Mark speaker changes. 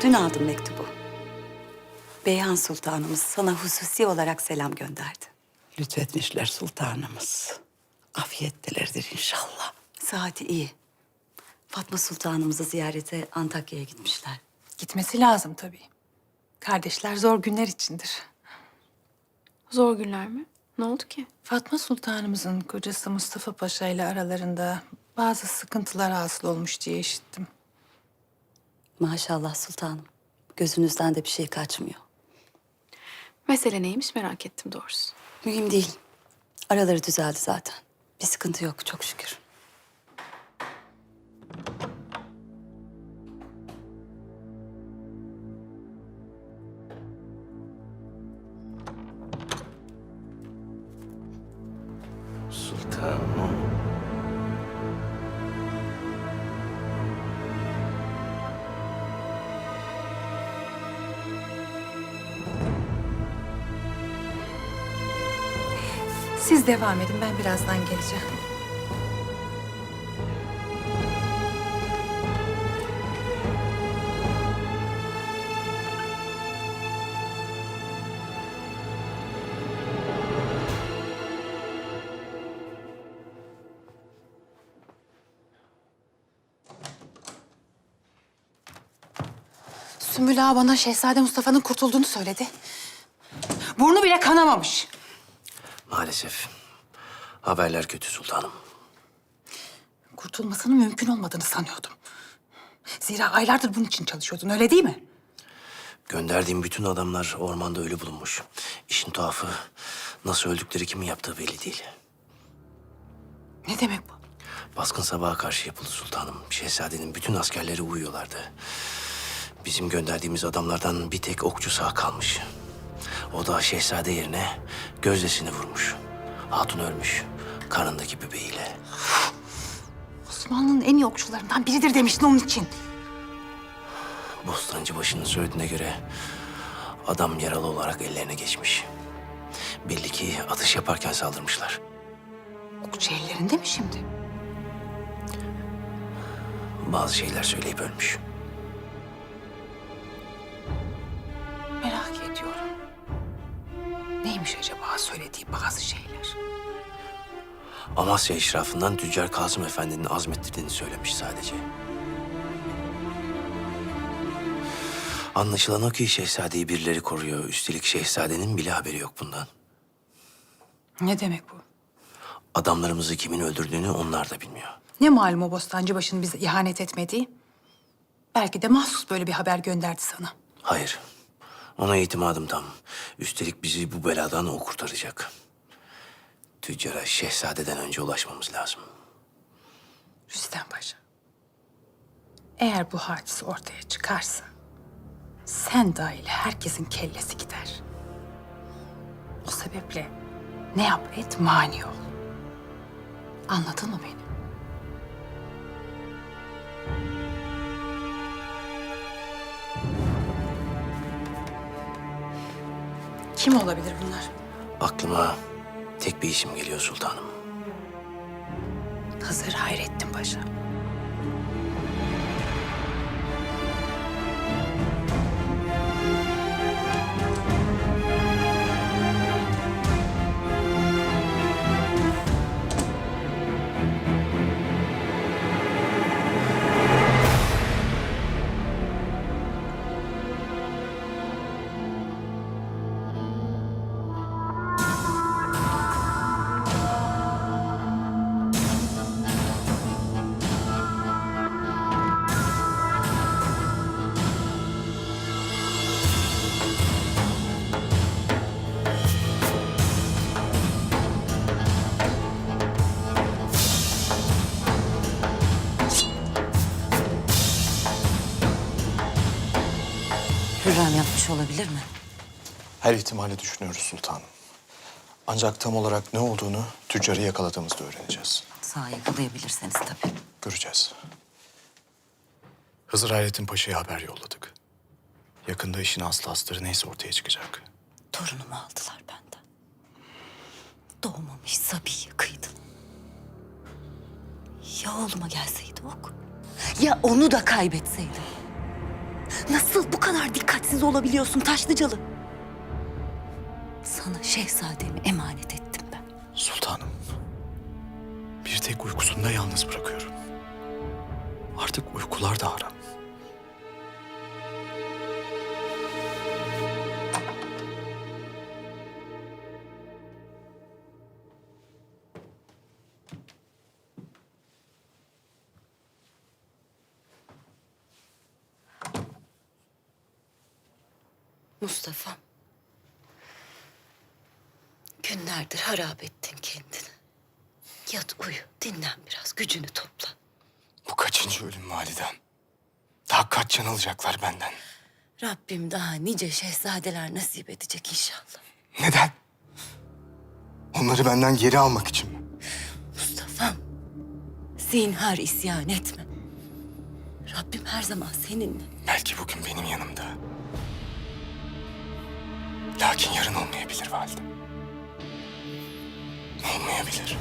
Speaker 1: Dün aldım mektubu. Beyhan Sultanımız sana hususi olarak selam gönderdi.
Speaker 2: Lütfetmişler sultanımız. Afiyettelerdir inşallah.
Speaker 1: Saati iyi. Fatma Sultanımızı ziyarete Antakya'ya gitmişler.
Speaker 3: Gitmesi lazım tabii. Kardeşler zor günler içindir.
Speaker 4: Zor günler mi? Ne oldu ki?
Speaker 3: Fatma Sultanımızın kocası Mustafa Paşa ile aralarında bazı sıkıntılar hasıl olmuş diye işittim.
Speaker 1: Maşallah sultanım. Gözünüzden de bir şey kaçmıyor.
Speaker 4: Mesele neymiş merak ettim doğrusu.
Speaker 1: Mühim değil. Araları düzeldi zaten. Bir sıkıntı yok çok şükür.
Speaker 2: Sultanım.
Speaker 3: Siz devam edin, ben birazdan geleceğim. Sümbül Ağa bana Şehzade Mustafa'nın kurtulduğunu söyledi. Burnu bile kanamamış.
Speaker 5: Maalesef. Haberler kötü sultanım.
Speaker 3: Kurtulmasının mümkün olmadığını sanıyordum. Zira aylardır bunun için çalışıyordun, öyle değil mi?
Speaker 5: Gönderdiğim bütün adamlar ormanda ölü bulunmuş. İşin tuhafı nasıl öldükleri kimin yaptığı belli değil.
Speaker 3: Ne demek bu?
Speaker 5: Baskın sabaha karşı yapıldı sultanım. Şehzadenin bütün askerleri uyuyorlardı. Bizim gönderdiğimiz adamlardan bir tek okçu sağ kalmış. O da şehzade yerine gözdesini vurmuş. Hatun ölmüş. Karnındaki bebeğiyle.
Speaker 3: Osmanlı'nın en iyi okçularından biridir demiştin onun için.
Speaker 5: Bostancıbaşı'nın söylediğine göre adam yaralı olarak ellerine geçmiş. Belli ki atış yaparken saldırmışlar.
Speaker 3: Okçu ellerinde mi şimdi?
Speaker 5: Bazı şeyler söyleyip ölmüş.
Speaker 3: Merak ediyorum. Neymiş acaba söylediği bazı şeyler?
Speaker 5: Amasya işrafından Tüccar Kasım Efendi'nin azmettirdiğini söylemiş sadece. Anlaşılan o ki şehzadeyi birileri koruyor. Üstelik şehzadenin bile haberi yok bundan.
Speaker 3: Ne demek bu?
Speaker 5: Adamlarımızı kimin öldürdüğünü onlar da bilmiyor.
Speaker 3: Ne malum o Bostancıbaşı'nın bize ihanet etmediği? Belki de mahsus böyle bir haber gönderdi sana.
Speaker 5: Hayır. Ona itimadım tam. Üstelik bizi bu beladan o kurtaracak. Tüccara şehzadeden önce ulaşmamız lazım.
Speaker 3: Rüstem Paşa. Eğer bu hadise ortaya çıkarsa... sen dahil herkesin kellesi gider. O sebeple ne yap et mani ol. Anladın mı beni? Kim olabilir bunlar?
Speaker 5: Aklıma tek bir isim geliyor sultanım.
Speaker 3: Hızır Hayrettin Paşa.
Speaker 1: Hürrem yapmış olabilir mi?
Speaker 6: Her ihtimali düşünüyoruz sultanım. Ancak tam olarak ne olduğunu tüccarı yakaladığımızda öğreneceğiz.
Speaker 1: Sağ yakalayabilirseniz tabii.
Speaker 6: Göreceğiz. Hızır Hayrettin Paşa'ya haber yolladık. Yakında işin aslı astarı neyse ortaya çıkacak.
Speaker 1: Torunumu aldılar benden. Doğmamış Sabi'yi kıydılar. Ya oğluma gelseydi ok? Ya onu da kaybetseydim? Nasıl bu kadar dikkatsiz olabiliyorsun Taşlıcalı? Sana şehzademi emanet ettim ben.
Speaker 6: Sultanım, bir tek uykusunda yalnız bırakıyorum. Artık uykular da haram.
Speaker 1: Mustafa. Günlerdir harap ettin kendini. Yat uyu, dinlen biraz, gücünü topla.
Speaker 6: Bu kaçıncı ölüm validem? Daha kaç can alacaklar benden?
Speaker 1: Rabbim daha nice şehzadeler nasip edecek inşallah.
Speaker 6: Neden? Onları benden geri almak için mi?
Speaker 1: Mustafa'm, zinhar isyan etme. Rabbim her zaman seninle.
Speaker 6: Belki bugün benim yanımda. Lakin yarın olmayabilir validem. Olmayabilir.